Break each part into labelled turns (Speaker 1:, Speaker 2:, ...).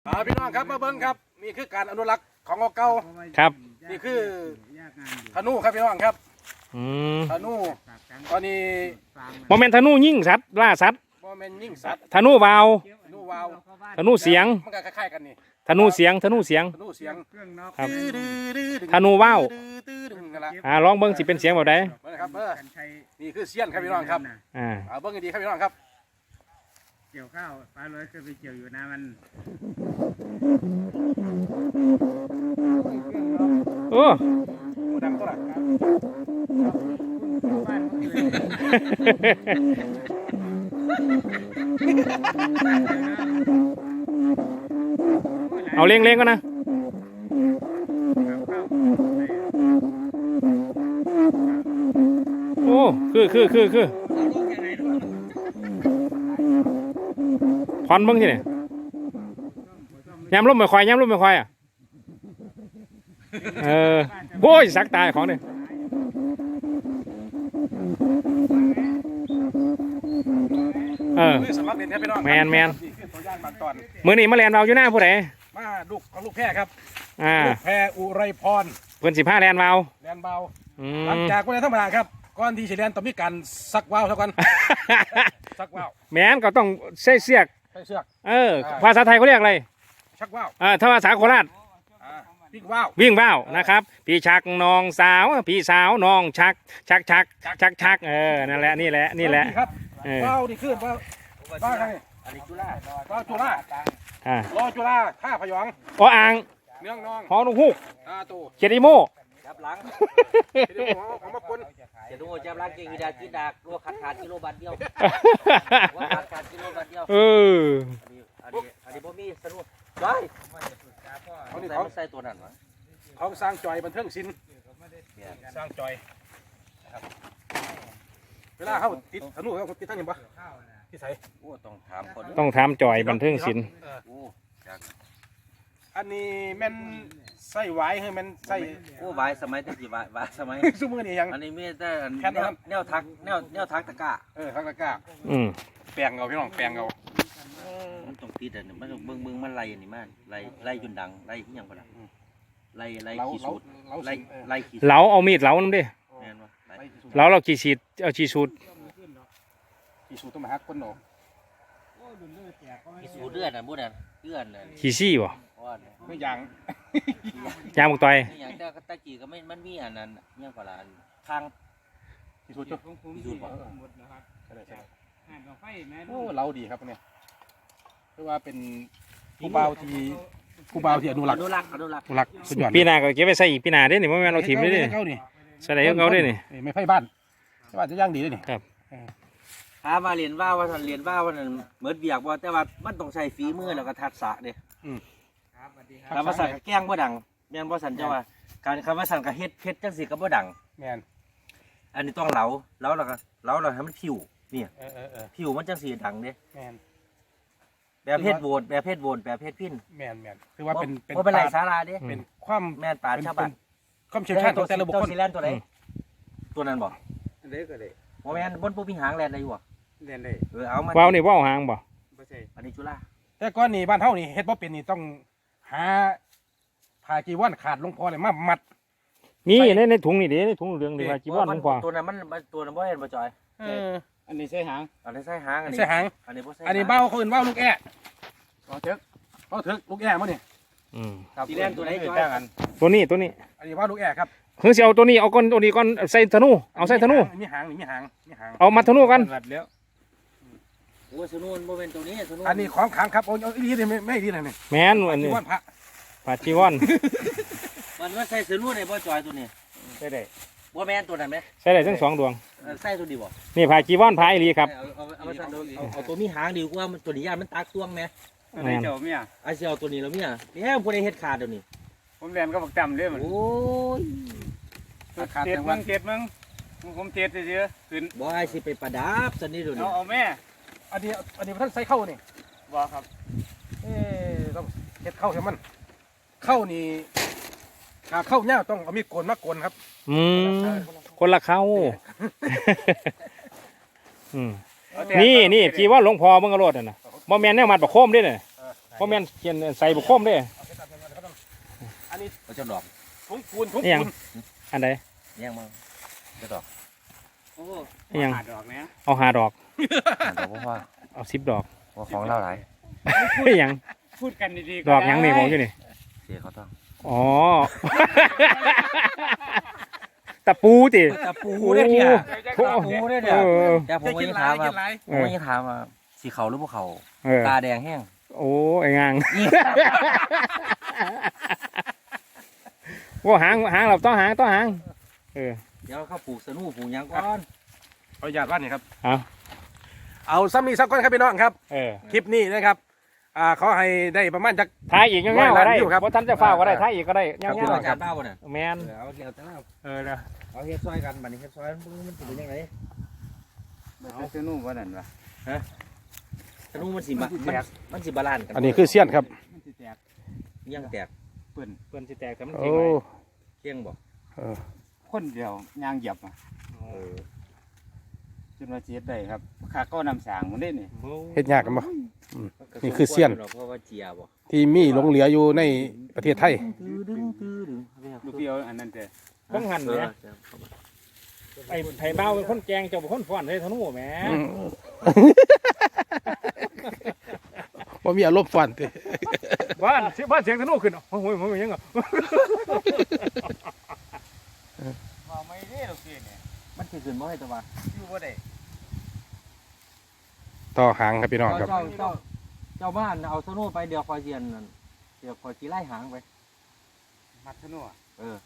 Speaker 1: พี่น้องครับมาเบิ้งครับนี่คือการอนุรักษ์ของเก่า
Speaker 2: ครับ
Speaker 1: นี่คือธนูครับพี่น้องครับธนูตอนนี้
Speaker 2: โมเมนต์ธนูยิ่งสัตว์ล่าสัตว์
Speaker 1: โมเมนต์ยิ่งสัตว์
Speaker 2: ธนูวาว
Speaker 1: ธนูวาว
Speaker 2: ธนูเสียง
Speaker 1: มันก็คล้ายๆกันนี่
Speaker 2: ธนูเสียงธนูเสียง
Speaker 1: ครับ
Speaker 2: ธนูว่าว
Speaker 1: ล
Speaker 2: ลองเบิ้งสิเป็นเสียงแบบใด
Speaker 1: ครับนี่คือเสี้ยนครับพี่น้องครับเบิ้งดีครับพี่น้องครับ
Speaker 3: เกี่ยวข้าวปลาลอยเคยไปเกี่ยวอยู่นะมัน
Speaker 2: โอ้
Speaker 1: ดังตัวละ
Speaker 2: เอาเลี้ยงๆก็นะโอ้คือพอนเบิ้งที่ไหนยำลุ่มไม่ควายอ่ะโอ้ยสักตายของเนี่ยแมนมือนี่มาแลนเราอยู่หน้าผู้ใด
Speaker 1: มาลูกของลูกแพร่ครับลูกแพร่อุไรพร
Speaker 2: เพิ่น15แลนเบา
Speaker 1: หลังจากวันธรรมดาครับก่อนที่จะเรียนต้องมีการซักว่าวเท่ากันซักว่าว
Speaker 2: แมนก็ต้องใส่เสือกภาษาไทยเขาเรียกอะไร
Speaker 1: ชักว่าว
Speaker 2: ถ้าภาษาโคราชวิ่งว่าวนะครับพี่ชักน้องสาวพี่สาวน้องชักนั่นแหละนี่แหละ
Speaker 1: ว่าวนี่ขึ้นว่าวอะไร
Speaker 3: อันนี้จุฬา
Speaker 1: ว่าวจุฬารอจุฬาท่าพยอง
Speaker 2: อ่าง
Speaker 1: เนื้องนอง
Speaker 2: หอนุฮูกเจดีโม
Speaker 3: จับหลัง
Speaker 1: เอามาปน
Speaker 3: เจดีโมจับหลังเก่งวิดากินดากรัวขาดกิโลบาทเดียวว่าขาดกิโลบาทเดียวอันนี้บ่มีสนุกจ้อยเขาใส่ตัวนั้นวะ
Speaker 1: เขาสร้างจอยบันเทิงศิลป์สร้างจอยเวลาเขาติดธนูเขาติดทั้งยังปะที่ใส่
Speaker 2: ต้องถามจอยบันเทิงศิลป์
Speaker 1: อันนี้แม่นใส่ไว้ให้มันใส่
Speaker 3: ไว้สมัยที่กี่ไว้สมัย
Speaker 1: ซุ้มมือนี่ยัง
Speaker 3: อันนี้มีแต่แนวทักตะก้า
Speaker 1: ทักตะก้าแปลงเอาพี่น้องแปลงเอา
Speaker 3: มันต้องติดอันนี้มันเบิ่งมันไล่อันนี้มันไล่จนดังไล่ที่ยังก็ได้ไล่ขี้สูดไล่ขี้
Speaker 2: เหลาเอามีดเหลานั่นดิเราขี้ฉีดเอาขี้สูด
Speaker 1: ต้องมาหักก้นหนอ
Speaker 3: ขี้สูดเลือดนะบุญนะเลือด
Speaker 2: ขี้ซี่บ่
Speaker 1: ไม่ยัง
Speaker 2: บุกต่อย
Speaker 3: อย่างตะกี้ก็ไม่มันมีอันนั้นยังก็ละทาง
Speaker 1: ขี้สูด
Speaker 3: บ่
Speaker 1: โอ้เราดีครับเนี่ยเพราะว่าเป็นผู้บ่าวที่อนุรักษ์สุดยอด
Speaker 2: ปีหน้าก็เก็บไปใส่อีกปีหน้าได้นี่เพราะแม่เราถิ่มได้นี่ใส่ได้เขาได้นี่
Speaker 1: ไม่ไพ่บ้านจะย่างดีได้นี่
Speaker 2: ครับ
Speaker 3: มาเรียนว่าเรียนว่าวันนั้นเหมือนเบียกว่าแต่ว่ามันต้องใช้ฝีมือแล้วก็ทักษะเด้คำว่าสั่งแกล้งบ่ดังแม่นบ่สั่นเจ้าว่าการคำว่าสั่งกับเฮ็ดจังสิกับบ่ดัง
Speaker 1: แม่น
Speaker 3: อันนี้ต้องแล้วก็เราให้มันผิวนี่ผิวมันจังสีดังเด้
Speaker 1: แม่น
Speaker 3: แบบเพชรโหวตแบบเพชรพิน
Speaker 1: แม่นคือว่า
Speaker 3: เป็นไรสาราเด้
Speaker 1: เป็นความ
Speaker 3: แม่นป่าชาวบ้าน
Speaker 1: ความเชี่ยวชาญของแต่ละบุคคล
Speaker 3: ซีแลนตัวไหนตัวนั้นบ่
Speaker 1: เด็กก็ได้
Speaker 3: โมแมนบนปูมีหางแลนได้อยู่บ่
Speaker 1: แลนได้
Speaker 3: เอามา
Speaker 2: ว้าวนี่ว้าวหางบ่
Speaker 3: อันนี้จุฬา
Speaker 1: แต่ก้อนนี่บ้านเฮานี่เฮ็ดบ่เป็นนี่ต้องหาผ้าจีวรขาดลงพอเลยมามัด
Speaker 2: มีในถุงนี่เด้ในถุงเหลืองนี่ผ้าจีวรลงพอ
Speaker 3: ตัวนั้นมันตัวนั้นบ่เห็นบ่จอย
Speaker 1: อันนี้ใส่หาง
Speaker 3: อันนี้ใส่หาง
Speaker 1: อันนี้บ่ใส่อันนี้เบ้าคนเบ้าลูกแอะเอาเถอะลูกแอะมั้งนี่
Speaker 3: ซีแลนตัวไหนจอย
Speaker 2: ตัวนี้
Speaker 1: อันนี้เบ้าลูกแอะครับ
Speaker 2: คือสิเอาตัวนี้เอาก้อนตัวนี้ก้อนใส่ธนูเอาใส่ธนู
Speaker 1: มีหาง
Speaker 2: เอามัดธนูกัน
Speaker 3: โอ้ธนูโมเมนต์ตัวนี้ธนู
Speaker 1: อันนี้ของขังครับโอ้ยดีเลยไม่ดีเลยนี่
Speaker 2: แม่นอันนี้ผ้าจีวร
Speaker 3: มันใส่ธนูในบ่จอยตัวนี้
Speaker 1: ใส่ได้
Speaker 3: บ่แม่นตัวนั้นไหม
Speaker 2: ใส่ได้ทั้ง2ดวง
Speaker 3: ใส่ตัวดีบ่
Speaker 2: นี่ผ้าจีวรผ้าอีหลีครับ
Speaker 3: เอาตัวมีหางดีกว่ามันตัวนี้ยานมันตักตวงไหม
Speaker 1: อะไรเจ้าเมีย
Speaker 3: ไอ้เสี่ยวตัวนี้แล้วเมียนี่พวกได้เฮ็ดขาดเดี๋ยวนี้
Speaker 1: ผมเรียนก็บอกจำเลยมัน
Speaker 3: โอ้ย
Speaker 1: เจ็ดมึงผมเจ็ดเยอะขึ้น
Speaker 3: บ่ไอ้สิไปประดับสันนี่ดูนี่
Speaker 1: เอาแม่อันนี้ท่านใส่เข้านี่บ่ครับต้องเฮ็ดเข้าให้มันเข้านี่เข้าเนี่ยต้องเอามีดโกนมาโกนครับ
Speaker 2: คนละเข้านี่จีว่าหลวงพ่อมึงกระโดดน่ะบ่แม่นแนวมัดประโคมด้วยน่ะเพราะแม่นเขียนใส่บุกคมเด้
Speaker 1: อันนี้
Speaker 3: เขาจะดอก
Speaker 1: ถุงปูนถุง
Speaker 2: นี่ยั
Speaker 1: ปู
Speaker 2: ง
Speaker 1: น
Speaker 2: อันใด
Speaker 3: แย่งมั้งจะดอก
Speaker 4: โอ้
Speaker 2: นี่ยัง
Speaker 4: หาดอกเนี้ย
Speaker 2: เอา5 ดอก
Speaker 3: ดอกเพราะว่า
Speaker 2: เอา10 ดอก
Speaker 3: ของเล่าหลาย
Speaker 2: นี่ยัง
Speaker 4: พูดกันดีๆ
Speaker 2: ดอกยังนี่บอกอยู่นี่
Speaker 3: เสียเขาต้อง
Speaker 2: อ๋อ ตะปูติ
Speaker 3: ตะปูเนี่ยเนี่ย
Speaker 2: โอ้
Speaker 3: ตะปูเนี่ยเนี่ย
Speaker 2: เออ
Speaker 3: แต่ผมก็ยังถามว่าผมก็ยังถามว่าสีเขาหรือพวกเขา
Speaker 2: เออ
Speaker 3: ตาแดงแห้ง
Speaker 2: โอ้ไอ้งางว่าหางเราต้องหางเออ
Speaker 3: เดี๋ยวเขาปลูกสนุปลูกหยังก่อน
Speaker 1: ขออนุญาตว่านี่ครับ
Speaker 2: เอา
Speaker 1: เอาซ้ำนี่สักก้อนครับพี่น้องครับ
Speaker 2: เออ
Speaker 1: คลิปนี้นะครับขอให้ได้ประมาณจัก
Speaker 2: ถ่ายอีกเงี้ยๆก็ได้
Speaker 1: อยู่ครับ
Speaker 2: เพราะท่านจะฟ้าก็ได้ถ่ายอีกก็ได้เงี้
Speaker 3: พี่
Speaker 2: ย
Speaker 3: น้องจานเบ้าเนี่ย
Speaker 2: ๆแมน
Speaker 3: เอาเดี๋ยวจะเล่า
Speaker 2: เออนะ
Speaker 3: เอาเฮ็ดซอยกันบัดนี้เฮ็ดซอยมันสิเป็นยังไง
Speaker 4: เอาเจ้านุ่มว่านั่นวะ
Speaker 3: สนุมันสิมันสิบาลานซ์กัน
Speaker 1: อันนี้คือเสี้ยนครับ
Speaker 4: มันสิแตก
Speaker 3: ยังแตก
Speaker 4: เปื่อน
Speaker 2: เพื่อนสิแตกแต่มัน
Speaker 1: โอ้
Speaker 2: เก่งเลย
Speaker 3: เกี้ยงบ่
Speaker 1: เออ
Speaker 4: คนเดียวยางเหยียบอ่ะจนว่าเสียได้ครับขาก็นำสางมันได้นี่
Speaker 1: เฮ็ดยากกันบ่นี่คือเสี้ยน
Speaker 3: เพราะว่าเจียบ่
Speaker 1: ที่มีหลงเหลืออยู่ในประเทศไทย
Speaker 3: ตื้อดึงตื้อดึง
Speaker 4: ลูกพี่เอาอันนั้นเจ้
Speaker 2: เพิ่งหันเนี่ยไอ้ไผ่เบ้าเป็นคนแกงเจ้าเป็นคนฟ้อนเลยทนุแหม
Speaker 1: ว่ามีอารมณ์ฟันติ
Speaker 2: บ้านเสียงทนุขึ้นโอ้โหมันยังไง
Speaker 4: มาไม่ได้ลูกพี่เนี่ย
Speaker 3: มันสิขึ้นบ่ให้ตัวว่า
Speaker 4: อยู่บ่ได้
Speaker 1: ต่อหางครับพี่น้องครับ
Speaker 3: เจ้าบ้านเอาสนุไปเดี๋ยวคอยเจียนนั่นเดี๋ยวคอยสิไล่หางไป
Speaker 4: มัดทะนุ่
Speaker 3: เออ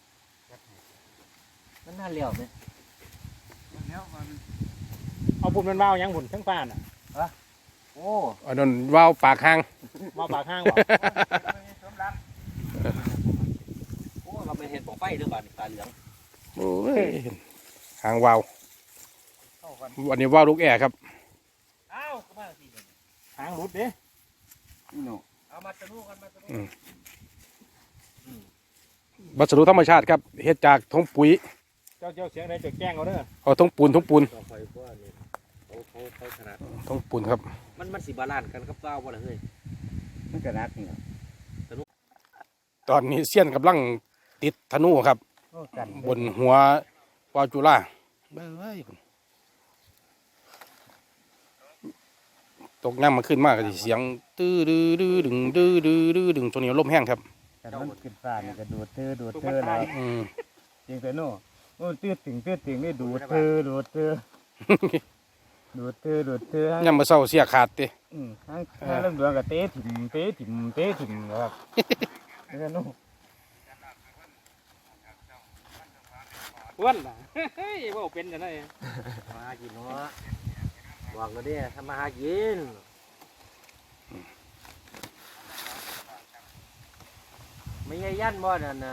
Speaker 3: มันน่าเลี้ยวเนี่ย
Speaker 4: แล้วมัน
Speaker 2: เอาบุญมันเบ้ายังบุญทั้งฟ้าน่ะ
Speaker 3: โอ้
Speaker 1: อันนั้นว่าวปากหาง
Speaker 2: เบ้าปากห้างบ่
Speaker 4: สมรัก
Speaker 3: โอ้เราไปเห็นปองไฟด้วยบ้านตาเหลือง
Speaker 1: โอ้ยหางว่าว
Speaker 4: เข้ากัน
Speaker 1: อันนี้ว่าวลูกแอร์ครับ
Speaker 3: อ้าวก็มาสิ
Speaker 2: หางรุดเด้
Speaker 4: นี่หนู
Speaker 3: เอามาสนุกันมาสนุ
Speaker 1: วัสดุธรรมชาติครับเฮ็ดจากทงปุ๋ย
Speaker 2: เจ้าเสียงอะไรจะแกล้งเอาเด้อ
Speaker 1: เอาทงปูน
Speaker 3: ต่อไปเพราะว่านี่เขาถนัด
Speaker 1: ทงปูนครับ
Speaker 3: มันสิบาลานซ์กันกับเก้าบ่ล่ะเฮ้ย
Speaker 4: มันก็นักนี่
Speaker 1: ตอนนี้เสี้ยนกำลังติดธนูครับ
Speaker 4: โอ้กัน
Speaker 1: บนหัววาวจุฬาเบ้ยตกน้ำมาขึ้นมากก็สิเสียงตื้อดื้อดื้อดึงดื้อดื้อดื้อดึงตัวนี้ลมแห้งครับ
Speaker 4: กันมันขึ้นฟ้านี่ก็ดูดเธอเลย
Speaker 1: อืม
Speaker 4: จริงแต่โน่โอ้ตื้อติ่งนี่ดูดเธอดูดเธอดูดเธอ
Speaker 1: ย่ำมาเศร้าเสียขาดติ
Speaker 4: ทั้งเรื่องดวงกับเตะถิ่มครับแล้วโน่
Speaker 2: อ้วนล่ะเฮ้ยว่าเป็นจังได๋
Speaker 3: มากินเนาะบอกแล้วเด้ทำมาหากินไม่ใช่ยันบ่นั่นน่ะ